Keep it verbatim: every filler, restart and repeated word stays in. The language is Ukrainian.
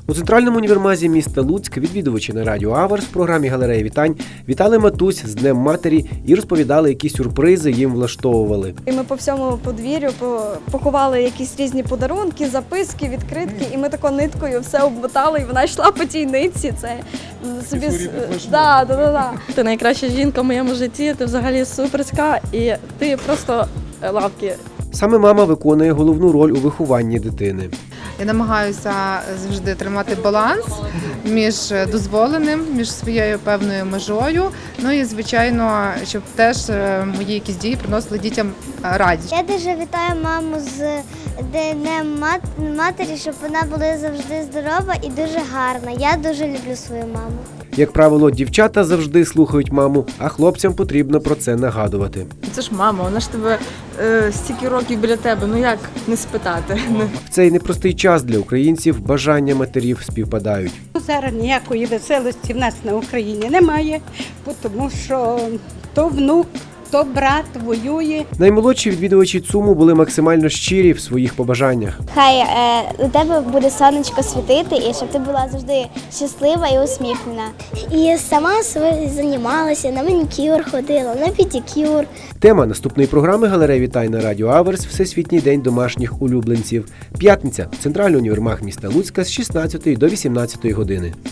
У центральному універмазі міста Луцьк відвідувачі на радіо Аверс в програмі «Галерея вітань» вітали матусь з Днем матері і розповідали, які сюрпризи їм влаштовували. І ми по всьому подвір'ю поховали якісь різні подарунки, записки, відкритки, і ми тако ниткою все обмотали, і вона йшла по тій нитці. Це собі да, да, да, да. Ти найкраща жінка в моєму житті, ти взагалі суперська, і ти просто лавки. Саме мама виконує головну роль у вихованні дитини. Я намагаюся завжди тримати баланс між дозволеним, між своєю певною межою. Ну і, звичайно, щоб теж мої якісь дії приносили дітям радість. Я дуже вітаю маму з Днем матері, щоб вона була завжди здорова і дуже гарна. Я дуже люблю свою маму. Як правило, дівчата завжди слухають маму, а хлопцям потрібно про це нагадувати. Це ж мама, вона ж тебе е, стільки років біля тебе, ну як не спитати? В цей непростий час для українців бажання матерів співпадають. Зараз ніякої веселості в нас на Україні немає, тому що то внук, то брат воює. Наймолодші відвідувачі ЦУМу були максимально щирі в своїх побажаннях. Хай е, у тебе буде сонечко світити, і щоб ти була завжди щаслива і усміхнена. І сама займалася, на манікюр ходила, на педикюр. Тема наступної програми «Галерея вітань» на радіо Аверс – Всесвітній день домашніх улюбленців. П'ятниця. Центральний універмаг міста Луцька з шістнадцятої до вісімнадцятої години.